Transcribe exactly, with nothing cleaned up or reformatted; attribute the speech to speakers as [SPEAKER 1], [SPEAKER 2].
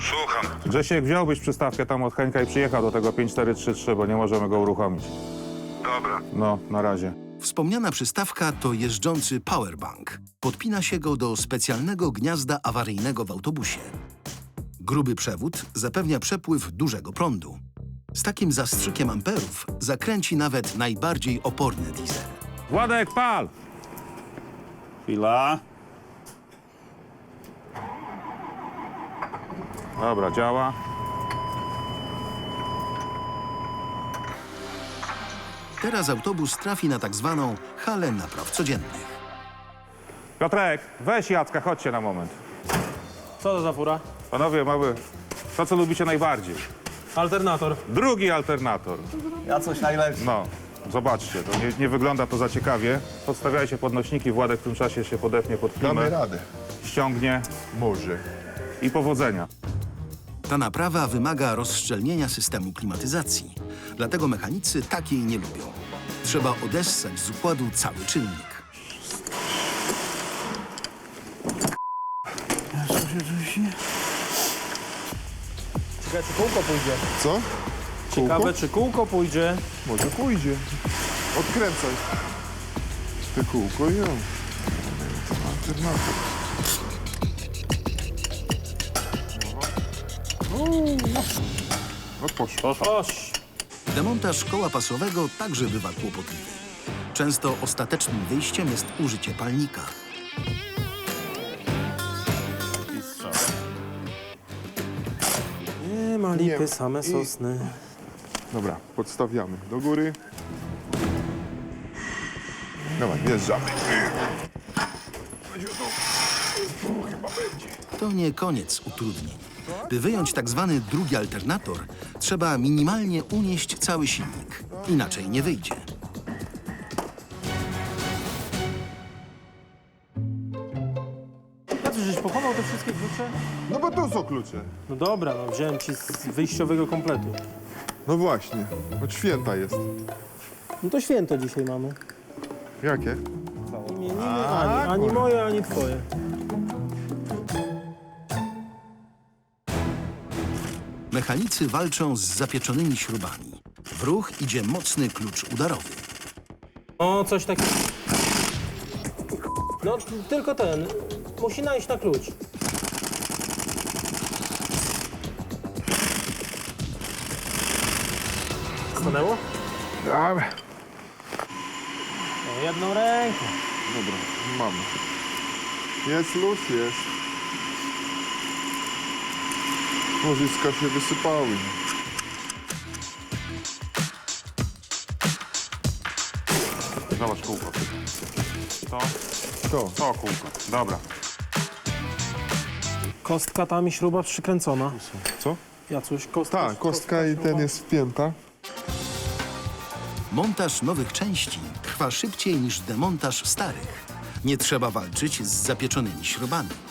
[SPEAKER 1] Słucham.
[SPEAKER 2] Grzesiek, wziąłbyś przystawkę tam od Henka i przyjechał do tego pięć cztery trzy trzy, bo nie możemy go uruchomić.
[SPEAKER 1] Dobra.
[SPEAKER 2] No, na razie.
[SPEAKER 3] Wspomniana przystawka to jeżdżący powerbank. Podpina się go do specjalnego gniazda awaryjnego w autobusie. Gruby przewód zapewnia przepływ dużego prądu. Z takim zastrzykiem amperów zakręci nawet najbardziej oporny diesel.
[SPEAKER 2] Władek, pal!
[SPEAKER 4] Chwila.
[SPEAKER 2] Dobra, działa.
[SPEAKER 3] Teraz autobus trafi na tak zwaną halę napraw codziennych.
[SPEAKER 2] Piotrek, weź Jacka, chodźcie na moment.
[SPEAKER 5] Co to za fura?
[SPEAKER 2] Panowie, mamy to, co lubicie najbardziej.
[SPEAKER 5] Alternator.
[SPEAKER 2] Drugi alternator.
[SPEAKER 4] Ja coś najlepszy.
[SPEAKER 2] No, zobaczcie, to nie, nie wygląda to za ciekawie. Podstawiajcie podnośniki, Władek w tym czasie się podepnie pod
[SPEAKER 6] Damy
[SPEAKER 2] klimę,
[SPEAKER 6] radę.
[SPEAKER 2] ściągnie
[SPEAKER 6] Może.
[SPEAKER 2] i powodzenia.
[SPEAKER 3] Ta naprawa wymaga rozszczelnienia systemu klimatyzacji. Dlatego mechanicy takiej nie lubią. Trzeba odessać z układu cały czynnik.
[SPEAKER 5] Ciekawe, czy kółko pójdzie.
[SPEAKER 6] Co?
[SPEAKER 5] Ciekawe, czy kółko pójdzie.
[SPEAKER 6] Może pójdzie. Odkręcaj. Te kółko i ją. Alternator. No poszło.
[SPEAKER 5] Oś.
[SPEAKER 3] Demontaż koła pasowego także bywa kłopotliwy. Często ostatecznym wyjściem jest użycie palnika.
[SPEAKER 5] Nie ma lipy,
[SPEAKER 6] Nie.
[SPEAKER 5] same
[SPEAKER 6] I-
[SPEAKER 5] sosny.
[SPEAKER 6] Dobra, podstawiamy do góry. Dawaj, wjeżdżamy.
[SPEAKER 3] To nie koniec utrudnień. By wyjąć tak zwany drugi alternator, trzeba minimalnie unieść cały silnik. Inaczej nie wyjdzie.
[SPEAKER 5] A ty żeś pochował te wszystkie klucze?
[SPEAKER 6] No bo to są klucze.
[SPEAKER 5] No dobra, no wziąłem ci z wyjściowego kompletu.
[SPEAKER 6] No właśnie, od święta jest.
[SPEAKER 5] No to święto dzisiaj mamy.
[SPEAKER 6] Jakie?
[SPEAKER 5] Imieniny ani, ani moje, ani twoje.
[SPEAKER 3] Mechanicy walczą z zapieczonymi śrubami. W ruch idzie mocny klucz udarowy.
[SPEAKER 5] O, coś takiego. No, t- tylko ten. Musi najść na klucz. Stanęło?
[SPEAKER 6] Dobra.
[SPEAKER 5] No, jedną ręką.
[SPEAKER 6] Dobra, mamy. Jest luz, jest. Łożyska się wysypały.
[SPEAKER 2] Zobacz kółko. To,
[SPEAKER 6] To.
[SPEAKER 2] to kółko. Dobra.
[SPEAKER 5] Kostka tam i śruba przykręcona.
[SPEAKER 6] Co?
[SPEAKER 5] Jacuś, kostka.
[SPEAKER 6] Tak, kostka i ten
[SPEAKER 5] śruba.
[SPEAKER 6] jest wpięta.
[SPEAKER 3] Montaż nowych części trwa szybciej niż demontaż starych. Nie trzeba walczyć z zapieczonymi śrubami.